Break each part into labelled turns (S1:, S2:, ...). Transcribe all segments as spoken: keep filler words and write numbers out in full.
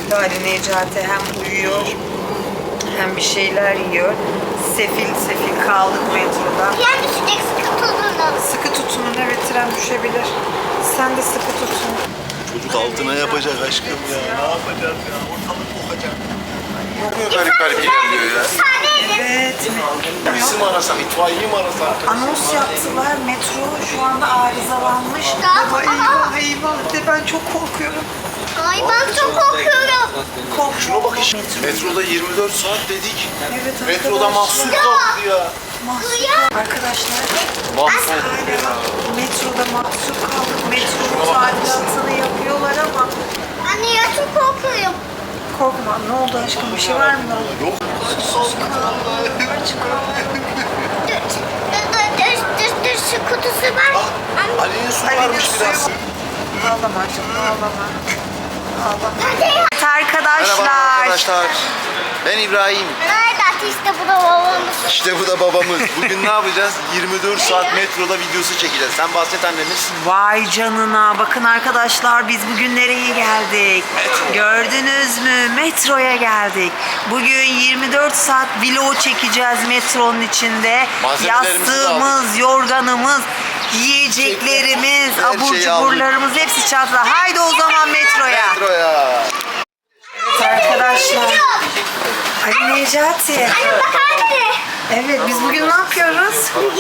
S1: şekilde Ali Necati hem uyuyor hem bir şeyler yiyor. Sefil sefil kaldık metroda.
S2: Yani düşecek, sıkı tutunun.
S1: Sıkı tutunun, evet, tren düşebilir. Sen de sıkı tutun.
S3: Çocuk altına yapacak aşkım ya. Ne yapacağız ya? Ortalık kokacak. Çok garip garip ilerliyor ya.
S1: Evet.
S3: Polisi mi arasam, itfaiyeyi mi arasam?
S1: Anons yaptılar. Metro şu anda arızalanmış.
S2: Tamam.
S1: Baba eyvah eyvah de, ben çok korkuyorum.
S2: Ay ben çok korkuyorum.
S1: Korkma.
S3: Şuna bak işte.
S1: Metro.
S3: Metroda yirmi dört saat dedik.
S1: Evet
S3: Metroda
S1: arkadaşlar.
S3: mahsur kaldı ya.
S1: Mahsur. Arkadaşlar.
S3: Mahsur.
S1: Hala metroda mahsur kaldık. Metronun tadilatını yapıyorlar ama.
S2: Anne ya çok korkuyorum.
S1: Korkma. Ne oldu aşkım? Bir şey var mı?
S3: Yok.
S1: Sus kaldı. Aç kaldı.
S2: Dur, dur, dur, dur, dur, dur, şu kutusu var. Anne.
S3: Ali'nin su
S1: Ali'nin
S3: varmış
S1: suyu
S3: biraz.
S1: var. Ağlama canım, ağlama. Ağlama.
S2: Hadi ya.
S1: Evet arkadaşlar.
S3: Merhaba arkadaşlar. Ben İbrahim.
S2: Nerede işte bu da babamız.
S3: İşte bu da babamız. Bugün ne yapacağız? yirmi dört saat metroda videosu çekeceğiz. Sen bahset annemiz.
S1: Vay canına. Bakın arkadaşlar, biz bugün nereye geldik? Gördünüz mü? Metroya geldik. Bugün yirmi dört saat vlog çekeceğiz metronun içinde.
S3: Malzemelerimizi de
S1: Yastığımız, yorganımız, yiyeceklerimiz,
S3: Her
S1: abur
S3: şeyi aldık.
S1: cuburlarımız hepsi çantada. Haydi o zaman metroya.
S3: Metroya.
S1: Evet arkadaşlar. Ali Necati.
S2: Anne bak anne.
S1: Evet, biz bugün ne yapıyoruz?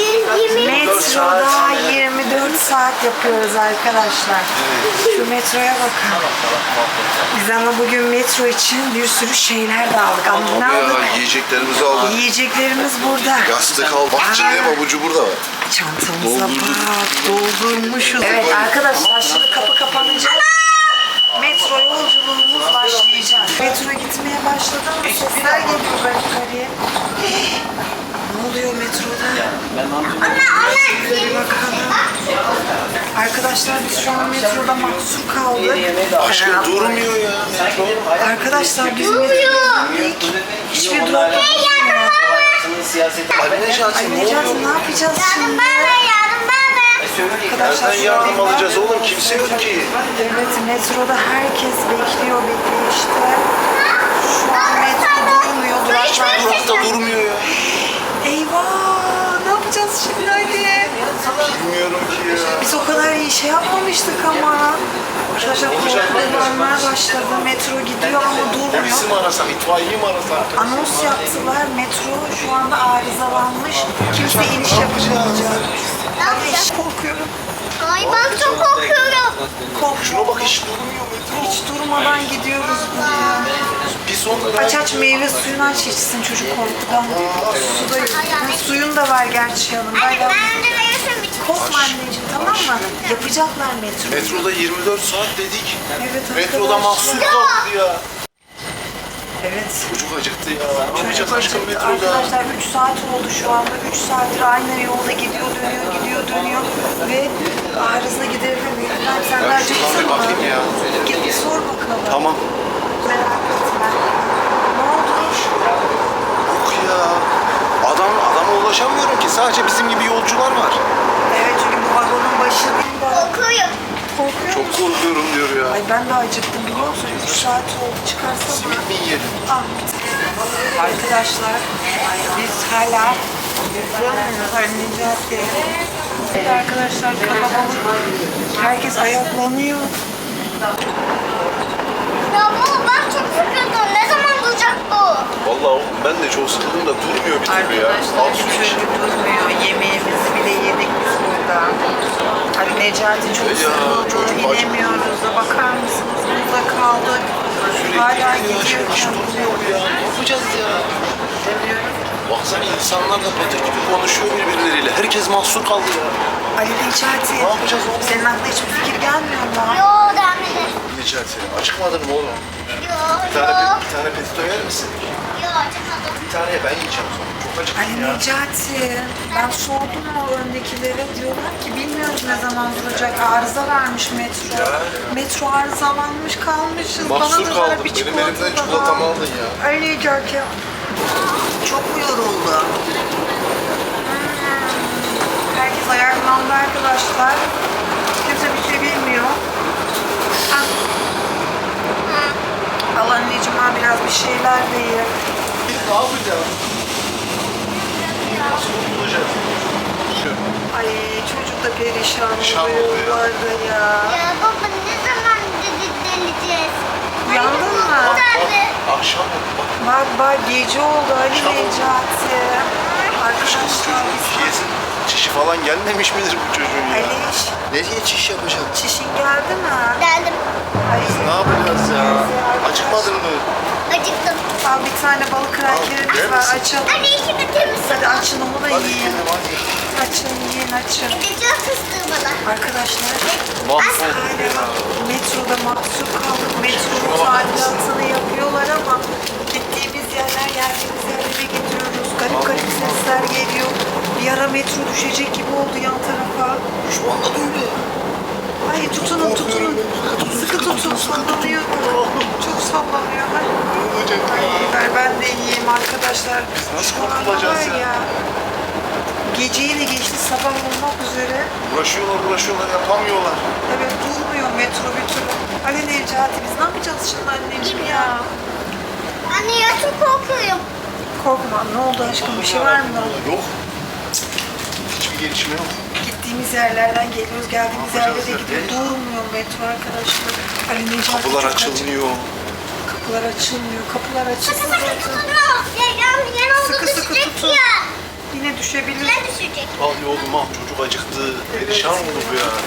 S1: Metroda yirmi dört saat yapıyoruz arkadaşlar. Şu metroya bakın. Biz ama bugün metro için bir sürü şeyler de aldık. Ama ne aldık?
S3: Ya, yiyeceklerimizi aldık.
S1: Yiyeceklerimiz burada.
S3: Yastık al. Bak içinde babucu burada var.
S1: Çantamıza
S3: Doldurduk.
S1: bak, doldurmuşuz. Evet arkadaşlar, şimdi kapı kapanacak. Metro yolculuğumuz başlayacak. Metro gitmeye başladı ama sesler geliyor ben yukarıya. Ne oluyor metroda? Bir bakalım. Arkadaşlar biz şu an metroda mahsur kaldık.
S3: Aşkım durmuyor ya metro.
S1: Arkadaşlar biz metroda indik. Hiçbir durak yok.
S3: Ali Necati ne
S1: Necati
S3: oluyor?
S1: ne yapacağız
S2: Yardım
S1: şimdi?
S2: bana, yardım bana.
S1: Arkadaşlar
S3: Nereden yardım alacağız oğlum? Kimse yok ki.
S1: Evet, metroda herkes bekliyor bekliyor işte. Şu an metro durmuyor. Duraklar
S3: Durakta durmuyor ya.
S1: Eyvah! Ne yapacağız şimdi hadi?
S3: Bilmiyorum ki ya.
S1: Biz o kadar iyi şey yapmamıştık ama. Arkadaşlar korkulanlar başladı. Metro gidiyor ama
S3: Polisi
S1: durmuyor.
S3: mi arasam, itfaiyeyi mi arasam?
S1: Anons yaptılar. Metro şu anda arızalanmış. Kimse iniş yapamayacak. Hadi, korkuyorum.
S2: Ay ben çok korkuyorum.
S1: Korkma.
S3: Şuna bak hiç durmuyor metro.
S1: Hiç durmadan gidiyoruz buraya.
S3: Bir son
S1: Aç aç meyve suyunu aç içsin çocuk korkudan. Su da yok. Ha, suyun da var gerçi yanında.
S2: Anne ben de veriyorsun bir
S1: Korkma anneciğim, tamam mı? Yapacaklar metro.
S3: Metroda yirmi dört saat dedik.
S1: Evet
S3: Metroda
S1: arkadaşlar.
S3: mahsur kaldı ya.
S1: Evet.
S3: Çocuk acıktı ya. Ne yapacağız aşkım metroda?
S1: Arkadaşlar üç saat oldu şu anda. üç saattir aynı yolda gidiyor, dönüyor, gidiyor, dönüyor ve arıza giderilemiyor. İbrahim sen de
S3: Ya
S1: acıktın
S3: şuna bir
S1: mı?
S3: bakayım ya.
S1: Git bir sor bakalım.
S3: Tamam.
S1: Merak etme. Ne oldu?
S3: Yok ya. Adam, adama ulaşamıyorum ki. Sadece bizim gibi yolcular var.
S1: Evet, çünkü bu vagonun başı değil de.
S2: korkuyorum.
S1: Korkuyor
S3: Çok
S1: musun?
S3: korkuyorum diyor ya.
S1: Ay ben de acıktım biliyor musun? üç saat oldu, çıkarsana.
S3: Simit mi yiyelim?
S1: Ah. Arkadaşlar biz hala Necati. Evet arkadaşlar, kalabalık. Herkes ayaklanıyor.
S2: Ya baba ben çok sıkıldım. Ne zaman duracak bu?
S3: Vallahi oğlum ben de çok sıkıldım da durmuyor bir türlü ya.
S1: Arkadaşlar
S3: Al
S1: bir
S3: su iç.
S1: türlü durmuyor. Yemeğimizi bile yedik biz burada. Hani Necati çok
S3: Ya,
S1: sıkıldı.
S3: çocuk acı-
S1: İnemiyoruz da, bakar mısınız? Burada kaldık. Hala
S3: Sürekli gidiyor ya. Hiç
S1: gidiyor.
S3: durmuyor bu ya. Ne yapacağız ya? Baksana insanlar da patır gibi konuşuyor birbirleriyle. Herkes mahsur kaldı ya.
S1: Ali Necati.
S3: Ne yapacağız oğlum?
S1: Senin aklına hiçbir fikir gelmiyor mu?
S2: Yo devam edelim.
S3: Necati acıkmadın mı oğlum?
S2: Yo
S3: Bir tane,
S2: yo.
S3: bir tane pesto yer misin?
S2: Yo acımadım.
S3: Bir tane ben yiyeceğim sonra. Çok acıktım
S1: Ali
S3: ya.
S1: Necati, ben sordum o öndekilere, diyorlar ki bilmiyoruz ne zaman duracak, arıza vermiş metro. Metro arızalanmış, kalmışız.
S3: Mahsur
S1: da ver
S3: kaldım.
S1: bir
S3: Benim
S1: çikolata
S3: elimden
S1: daha.
S3: çikolatamı aldın ya.
S1: Ali Necati. Çok mu yoruldu? Hmm. Herkes ayaklandı arkadaşlar. Kimse bir şey bilmiyor. Ah. Allah bir şeyler de ye.
S3: Ne yapacağız? Nasıl kurtulacağız? Şu.
S1: Ay çocuk da perişan
S3: Perişan
S1: oluyor
S3: oluyor.
S1: yollarda ya.
S2: Ya baba ne zaman dedi deleceğiz?
S1: Uyandın mı?
S2: Tabii.
S3: Akşam oldu bak.
S1: Bak bak gece oldu Ali
S3: Akşam oldu.
S1: Necati. Arkadaşlar biz
S3: Çişi, çişi falan gelmemiş midir bu çocuğun ya?
S1: Aliş,
S3: Nereye çiş yapacak?
S1: çişin geldi mi?
S2: Geldim.
S1: Ay,
S3: Ne yapacağız ya? Acıkmadın mı?
S2: Acıktım.
S1: al bir tane balık
S3: yer
S1: krakerimiz var
S3: misin?
S1: açalım.
S2: Anne iki de temiz.
S1: Hadi açın onu da
S3: Hadi
S1: yiyin.
S3: gidelim hadi.
S1: Açın yiyin açın.
S2: Gideceğiz fıstığı bana.
S1: Arkadaşlar
S3: Mahvolduk ya.
S1: metroda mahsur kaldık. Metronun tadilatını yapıyorlar ama gittiğimiz yerler geldiğimiz yerlere gidiyoruz. Garip garip sesler geliyor. Bir ara metro düşecek gibi oldu yan tarafa.
S3: Düşman da öyle.
S1: Ay tutunun tutunun. Sıkı tutun sallanıyor. Çok sallanıyor. Ay,
S3: Ne olacak
S1: Ay,
S3: ya?
S1: ver ben de yiyeyim arkadaşlar.
S3: nasıl
S1: Şu anda
S3: kurtulacağız
S1: var
S3: ya?
S1: Geceyi de geçti sabah olmak üzere.
S3: Uğraşıyorlar uğraşıyorlar yapamıyorlar.
S1: Evet durmuyor metro bir türlü. Ali Necati biz ne yapacağız şimdi anneciğim ya?
S2: Anne ya çok korkuyorum.
S1: Korkma ne oldu aşkım bir şey var mı?
S3: Yok. Hiçbir gelişme yok.
S1: Gittiğimiz yerlerden geliyoruz geldiğimiz
S3: Ne
S1: yerlere
S3: yapacağız
S1: gidiyor.
S3: ya?
S1: Durmuyor metro arkadaşlar. Ali Necati
S3: Kapılar
S1: çok acı-
S3: açılmıyor.
S1: Kapılar açılmıyor. Kapılar
S2: Sıkı
S1: açılsın
S2: sıkı
S1: zaten.
S2: tutunuyor. Ya yan, yan oldu
S1: Sıkı sıkı
S2: düşecek
S1: tutun.
S2: ya.
S1: Yine düşebilir.
S2: Ne düşecek?
S3: Al oğlum al çocuk acıktı. Perişan oldu bu ya.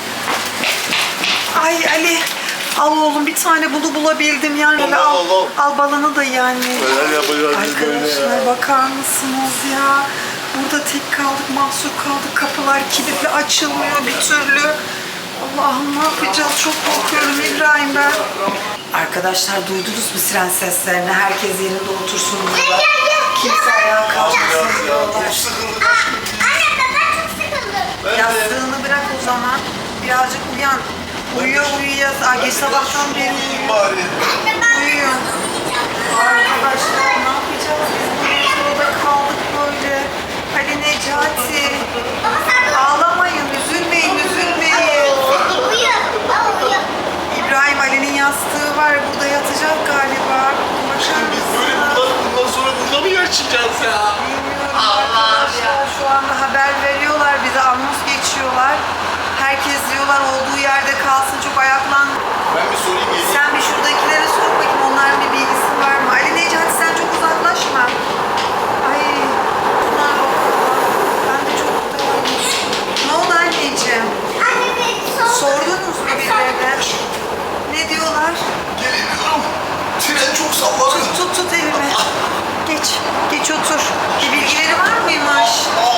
S1: Ay Ali al oğlum bir tane bunu bulabildim yani.
S3: Al,
S1: al,
S3: al, al.
S1: al balını da yani.
S3: Neler yapacağız biz böyle
S1: Arkadaşlar
S3: ya?
S1: bakar mısınız ya? Burada tek kaldık, mahsur kaldık. Kapılar kilitli açılmıyor bir türlü. Allah'ım ne yapacağız? Çok korkuyorum İbrahim ben. Arkadaşlar duydunuz mu siren seslerini? Herkes yerinde otursun burada. Kimse ayağa kalkmasın
S3: Biraz ya.
S1: diyorlar.
S3: Çok sıkıldım.
S2: Anne ben, ben çok sıkıldım.
S3: Ben de.
S1: Yastığını bırak o zaman. Birazcık uyan. Uyuyor uyuyacağız. Aa, geç sabahtan beri
S3: Uyuyayım
S1: uyuyor.
S3: bari.
S2: Anne ben
S1: Uyuyor. Arkadaşlar ne yapacağız? Biz bu metroda kaldık böyle. Ali Necati.
S2: Baba sen de
S1: Ağlamayın, üzülmeyin, üzülmeyin.
S2: uyu. Al uyu.
S1: İbrahim Ali'nin yastığı var. Burada yatacak galiba. Bakar
S3: Biz böyle
S1: mısınız?
S3: bundan, bundan sonra burada mı yaşayacağız ya?
S1: Bilmiyorum arkadaşlar. Şu anda haber veriyorlar bize. Anons geçiyorlar. Herkes diyorlar olduğu yerde kalsın. Çok ayaklan.
S3: Ben bir sorayım geleyim.
S1: Sen bir şuradakilere sor bakayım onların bir bilgisi var mı? Ali Necati sen çok uzaklaşma. Ay. Bunlar bakalım. Ben de çok utanıyorum. Ne oldu anneciğim?
S2: Anne beni sor.
S1: Sordunuz mu birilerine? Ne diyorlar?
S3: Gelemiyorum. Tren çok sallanıyor.
S1: Tut tut elimi. Geç. Geç otur. Bir bilgileri var mıymış?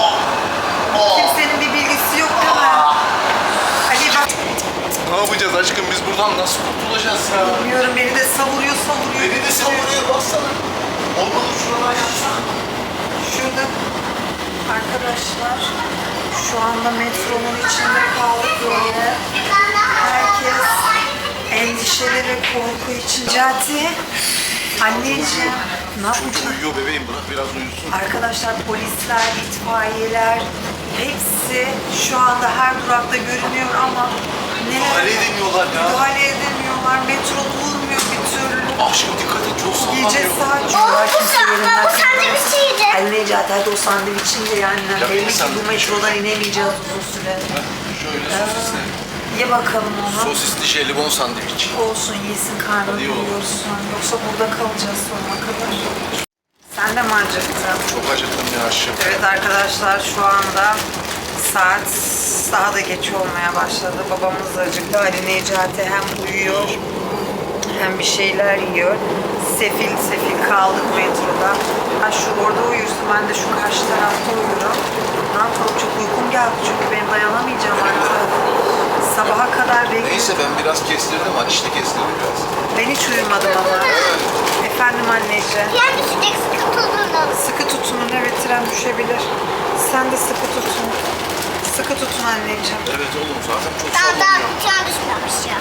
S1: Kimsenin bir bilgisi yok değil mi? Ali bak.
S3: Ne yapacağız aşkım biz buradan nasıl kurtulacağız ya?
S1: Bilmiyorum beni de savuruyor savuruyor.
S3: Beni de savuruyor baksana. Olmadı şuradan yapsak.
S1: Şurada arkadaşlar şu anda metronun içinde kaldık böyle. Herkes endişeli ve korku için. Cati, anneciğim ne
S3: Çocuk
S1: yapacağız?
S3: uyuyor bebeğim bırak biraz uyusun.
S1: Arkadaşlar polisler, itfaiyeler hepsi şu anda her durakta görünüyor ama
S3: Müdahale
S1: neler
S3: edemiyorlar ya.
S1: müdahale edemiyorlar. Metro durmuyor bir türlü.
S3: Akşam dikkat et çok sallanıyor.
S1: Gece saat
S2: Oh,
S1: diyorlar
S2: bu
S1: kimse
S2: sen-
S1: yerinden
S2: bu sandviç
S1: kalkmaz.
S2: yiyeceğim.
S1: Ali Necati hadi o sandviçin de yani.
S3: Ya
S1: Belli
S3: benim
S1: ki bu
S3: sandviçim.
S1: metrodan inemeyeceğiz uzun süre.
S3: Heh, Şöyle sosisli.
S1: Ye bakalım onu.
S3: Sosisli jelibon sandviç.
S1: Olsun yesin karnını
S3: Hadi oğlum.
S1: doyursun. Yoksa burada kalacağız sonuna kadar. Sen de mi acıktın?
S3: Çok acıktım ya aşkım.
S1: Evet arkadaşlar şu anda saat daha da geç olmaya başladı. Babamız da acıktı. Ali Necati hem uyuyor hem bir şeyler yiyor. Sefil sefil kaldık metroda. Ha şu orada uyursun ben de şu karşı tarafta uyurum. Ne yapalım çok uykum geldi çünkü ben dayanamayacağım artık. Sabaha kadar bekliyorum.
S3: Neyse ben biraz kestirdim. Ateşli kestirdim biraz.
S1: Ben hiç uyumadım ama. Efendim anneciğim.
S2: Yer düşecek sıkı tutunun.
S1: Sıkı tutunun evet tren düşebilir. Sen de sıkı tutun. Sıkı tutun anneciğim.
S3: Evet oğlum zaten çok
S2: Daha daha
S3: sallanıyor.
S2: bir tane düşmemiş ya.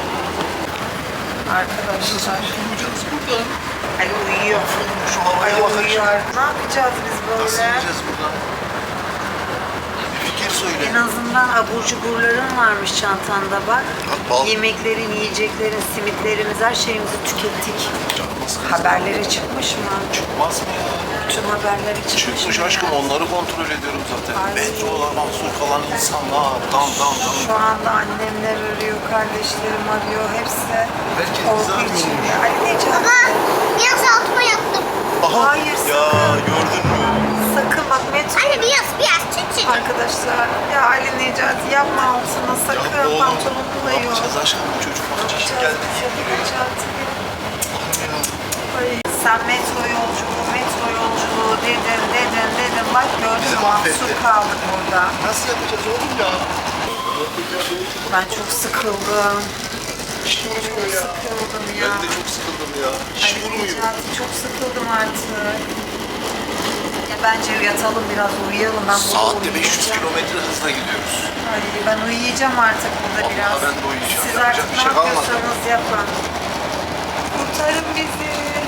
S1: Arkadaşlar.
S3: Uyuyacağız buradan.
S1: Ali uyuyor.
S3: Şu havaya
S1: Ali
S3: bakın.
S1: uyuyor. Ne yapacağız biz
S3: Nasıl
S1: böyle?
S3: yiyeceğiz buradan? Bir fikir söyle.
S1: En azından abur cuburların varmış çantanda bak.
S3: Bal.
S1: Yemeklerin, yiyeceklerin, simitlerimiz, her şeyimizi tükettik.
S3: Canımız
S1: Haberlere çıkmış mı?
S3: Çıkmaz mı ya?
S1: Tüm haberlere çıkmış,
S3: Çıkmış
S1: mı?
S3: aşkım, onları kontrol ediyorum zaten.
S1: Ay.
S3: Metrolar, mahsur kalan insanlar. Tam tam tam.
S1: Şu anda annemler arıyor, kardeşlerim arıyor, hepsi
S3: Herkes
S1: korku
S3: bizi arıyor.
S1: içinde. Ali Necati,
S2: Baba biraz altıma yattım.
S3: Aha.
S1: Hayır,
S3: Ya
S1: sakın.
S3: gördün mü?
S1: sakın bak metro.
S2: Anne biraz biraz çık çık.
S1: Arkadaşlar, ya Ali Necati yapma altına, sakın
S3: Ya oğlum,
S1: pantolonunu da
S3: ne
S1: yok.
S3: yapacağız aşkım? Bu çocuk bak çeşit geldi.
S1: Ali Necati.
S3: Ya.
S1: Ay, sen metro yolculuğu, metro yolculuğu dedin, dedin, dedin. Bak gördün
S3: Bizi
S1: mü, mahsur
S3: mahvetti.
S1: kaldık burada.
S3: Nasıl yapacağız oğlum ya?
S1: Ben çok sıkıldım.
S3: Hiç durmuyor ya.
S1: Sıkıldım ya.
S3: Ben de çok sıkıldım ya. Hiç
S1: Ali
S3: durmuyor.
S1: Necati, çok sıkıldım artık. Ya bence yatalım biraz, uyuyalım. Ben burada
S3: Saatte beş yüz
S1: uyuyacağım.
S3: kilometre hızla gidiyoruz.
S1: Ay, ben uyuyacağım artık burada
S3: Vallahi
S1: biraz.
S3: ben de uyuyacağım.
S1: Siz
S3: Yapacak
S1: artık
S3: bir
S1: ne
S3: şey kalmadı.
S1: yapıyorsanız yapın. Kurtarın bizi.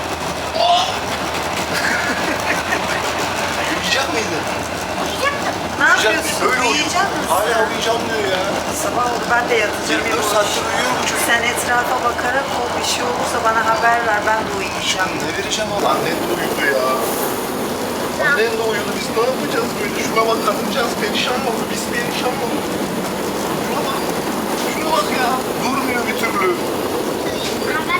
S3: Uyuyacak mıydın?
S2: Uyuyacaktım.
S1: Ne
S3: Uyuyacak
S1: yapıyorsun?
S3: mısın? Böyle uyuyor.
S1: Uyuyacak mısın?
S3: Hala uyuyacağım diyor ya.
S1: Sabah oldu, ben de yatacağım.
S3: yirmi dört saattir uyuyor bu çocuk.
S1: Sen etrafa bakarak ol, bir şey olursa bana haber ver, ben de uyuyacağım.
S3: Ne vereceğim ama? Annen de uyudu ya. Annen de uyudu. Biz ne yapacağız böyle? Şuna bak, kadıncağız perişan oldu. Biz perişan olduk. Şuna bak. Şuna bak ya. Durmuyor bir türlü.
S2: Ama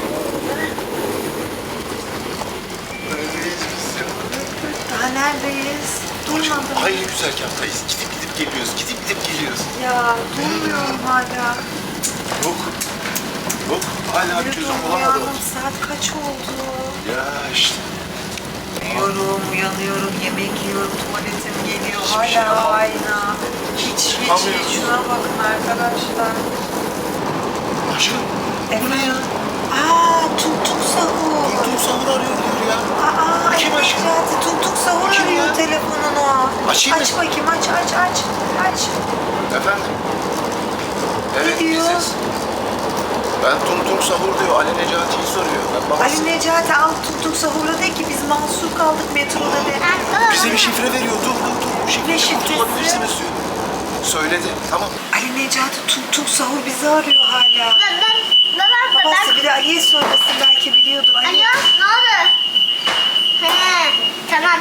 S3: Neredeyiz biz ya?
S1: Daha neredeyiz?
S3: Aşkım,
S1: Durmadım.
S3: aynı güzergahtayız. Gidip gidip geliyoruz. Gidip gidip geliyoruz.
S1: Ya durmuyorum hala.
S3: Yok. Yok. Hala bir
S1: Yürü
S3: çözüm
S1: dur,
S3: bulamadım.
S1: uyandım. Saat kaç oldu?
S3: Ya işte.
S1: Uyuyorum, uyanıyorum, yemek yiyorum, tuvaletim geliyor.
S3: Hiçbir şey
S1: Hala
S3: yapamam.
S1: aynı. Hiç hiç
S3: Çıkamıyoruz.
S1: hiç. Şuna bakın arkadaşlar.
S3: Aşkım.
S1: Efendim? Aa, Tuk Tuk Sahur.
S3: Dur sahur arıyor diyor ya.
S1: Aa,
S3: Kim aşkım?
S1: Necati, Tuk Tuk Sahur
S3: Kim
S1: arıyor
S3: ya?
S1: telefonunu.
S3: Açayım
S1: Aç
S3: mı?
S1: bakayım, aç, aç, aç. Aç.
S3: Efendim? Evet
S1: Ne diyor?
S3: biziz. Ben Tum Tum Sahur diyor. Ali Necati'yi soruyor. Ben babası.
S1: Ali Necati al Tuk Tuk Sahur'a de ki biz mahsur kaldık metroda de.
S3: Bize bir şifre veriyor. Dur dur dur. Bu
S1: Ne
S3: şifreyi
S1: şifresi?
S3: kurtulabilirsiniz diyor. Söyledi. Tamam.
S1: Ali Necati Tuk Tuk Sahur bizi arıyor hala.
S2: ben ben baba
S1: Babası
S2: ben.
S1: bir de Ali'ye söylesin, belki biliyordur. Ali.
S2: Alo ne oldu? He tamam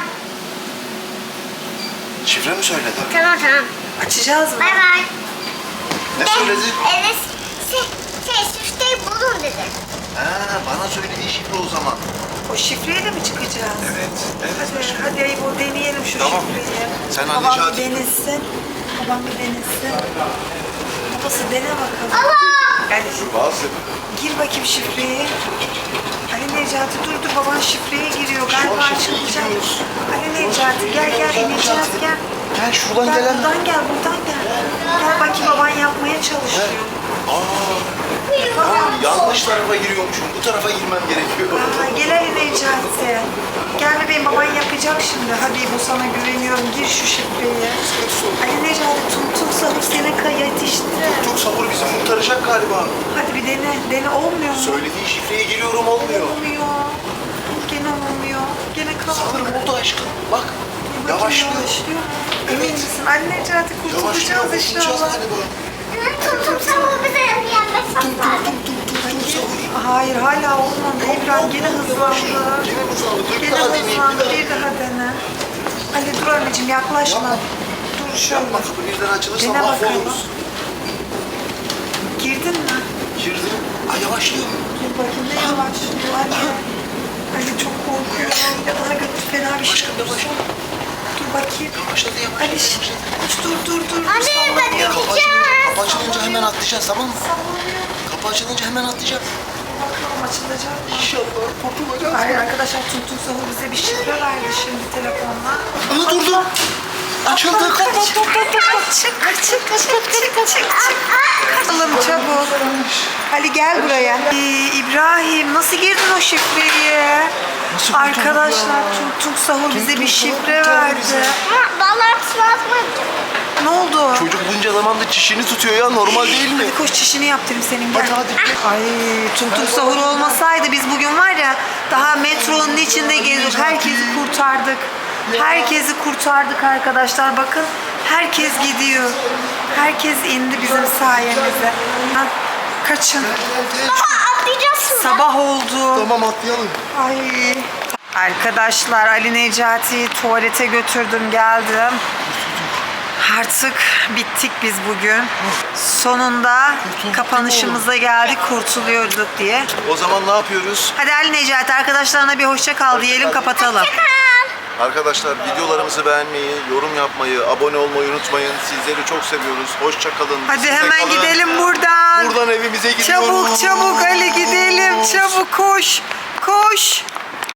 S3: Şifre mi söyledi?
S2: tamam tamam.
S1: Açacağız mı?
S2: Bay bay.
S3: Ne söyledi?
S2: Evet şey şey süfteyi bulun dedi.
S3: Ha, bana söylediği şifre o zaman.
S1: O şifreyle mi çıkacağız?
S3: Evet. Evet.
S1: Hadi,
S3: aşkım.
S1: hadi Ayıp, o deneyelim şu
S3: Tamam.
S1: şifreyi.
S3: Sen
S1: Babam
S3: Ali
S1: bir
S3: Necati-
S1: denesin. Babam bir denesin. Babası dene bakalım.
S2: Allah.
S1: Yani
S3: Bazı.
S1: gir bakayım şifreyi. Ali Necati dur dur, baban şifreye giriyor.
S3: Şu an
S1: Galiba
S3: şifreye
S1: açılacak.
S3: giriyoruz.
S1: Ali Necati gel gel, ineceğiz gel.
S3: Gel şuradan
S1: Gel
S3: gelen.
S1: buradan gel, buradan gel. Gel bakayım, baban yapmaya çalışıyor.
S3: Aa, ben yanlış tarafa giriyormuşum. Bu tarafa girmem gerekiyor.
S1: Aa, gel Ali Necati. Gel bebeğim, baban yapacak şimdi. Hadi bu, sana güveniyorum. Gir şu şifreyi. Ali Necati, Tum Tum Sahur seni kay yetişti.
S3: Çok sabır bizi kurtaracak galiba.
S1: Hadi bir dene. Dene, olmuyor mu?
S3: Söylediği şifreye giriyorum, olmuyor.
S1: Olmuyor. Gene olmuyor. Gene kaldı.
S3: Sanırım oldu aşkım. Bak.
S1: Bakayım,
S3: Yavaşlıyor.
S1: yavaşlıyor. Emin misin? Ali Necati,
S3: Yavaşlıyor.
S1: kurtulacağız
S3: Kurtulacağız
S1: inşallah.
S3: galiba.
S2: Tum tum sabah bize yenmez sanırım.
S1: Hayır, hala olmadı. İbrahim gene hızlandı.
S3: Gene hızlandı. Bir
S1: Gene
S3: daha deneyeyim.
S1: hızlandı.
S3: Bir daha.
S1: Bir daha dene. Ali dur anneciğim, yaklaşma.
S3: Yapma.
S1: Dur şöyle.
S3: Yapma, kapı birden açılırsa
S1: Dene bakalım.
S3: mahvoluruz.
S1: Girdin mi?
S3: Girdim. Ay yavaşlıyor.
S1: Dur bakayım, ne yavaşlıyor Ali. Ali çok korkuyorum. Ya bana götür, fena bir şey
S3: Başka
S1: olursa.
S3: yavaş.
S1: Dur bakayım.
S3: Yavaşladı yavaşladı.
S1: Ali şş,
S3: yavaşladı.
S1: dur dur dur.
S2: Anne,
S1: Sallanıyor.
S2: ben de-
S3: Kapı açılınca, kapı açılınca hemen atlayacağız, tamam mı?
S1: Sallanıyor.
S3: Kapı açılınca hemen atlayacağız.
S1: Bakalım açılacak mı?
S3: İnşallah kurtulacağız.
S1: Hayır arkadaşlar, Tuntun Sahur bize bir şifre verdi şimdi telefonla.
S3: Aa durdu. Açıldı.
S1: Kaç, kaç, çık, çık, çık, çık, çık, çık. Kaçalım çabuk. Ali gel buraya. Ee, İbrahim, nasıl girdin o şifreyi?
S3: Nasıl kurtulduk
S1: Arkadaşlar,
S3: ya?
S1: Tuntun Sahur bize bir
S3: Tuntun Sahur
S1: şifre
S3: kurtardı
S1: verdi.
S3: bizi.
S2: Vallahi ıslatma yapacağım.
S1: Ne oldu?
S3: Çocuk bunca zamandır çişini tutuyor ya, normal değil mi?
S1: Hadi koş, çişini yaptırayım senin, gel.
S3: Hadi, hadi.
S1: Ay, Tuntun Sahur olmasaydı biz bugün var ya, daha metronun içinde geziyorduk. Herkesi kurtardık. Herkesi kurtardık arkadaşlar. Bakın, herkes gidiyor. Herkes indi bizim sayemizde. Ha, kaçın.
S2: Baba atlayacağız
S1: Sabah oldu.
S3: Tamam atlayalım.
S1: Ay. Arkadaşlar Ali Necati'yi tuvalete götürdüm geldim. Artık bittik biz bugün. Sonunda kapanışımıza geldik kurtuluyorduk diye.
S3: O zaman ne yapıyoruz?
S1: Hadi Ali Necati arkadaşlarına bir hoşça kal diyelim kapatalım.
S3: Arkadaşlar videolarımızı beğenmeyi, yorum yapmayı, abone olmayı unutmayın. Sizleri çok seviyoruz. Hoşça kalın.
S1: Hadi
S3: Bizimle
S1: hemen
S3: kalın.
S1: gidelim buradan.
S3: Buradan evimize gidiyoruz.
S1: Çabuk çabuk Ali gidelim. Çabuk koş. Koş.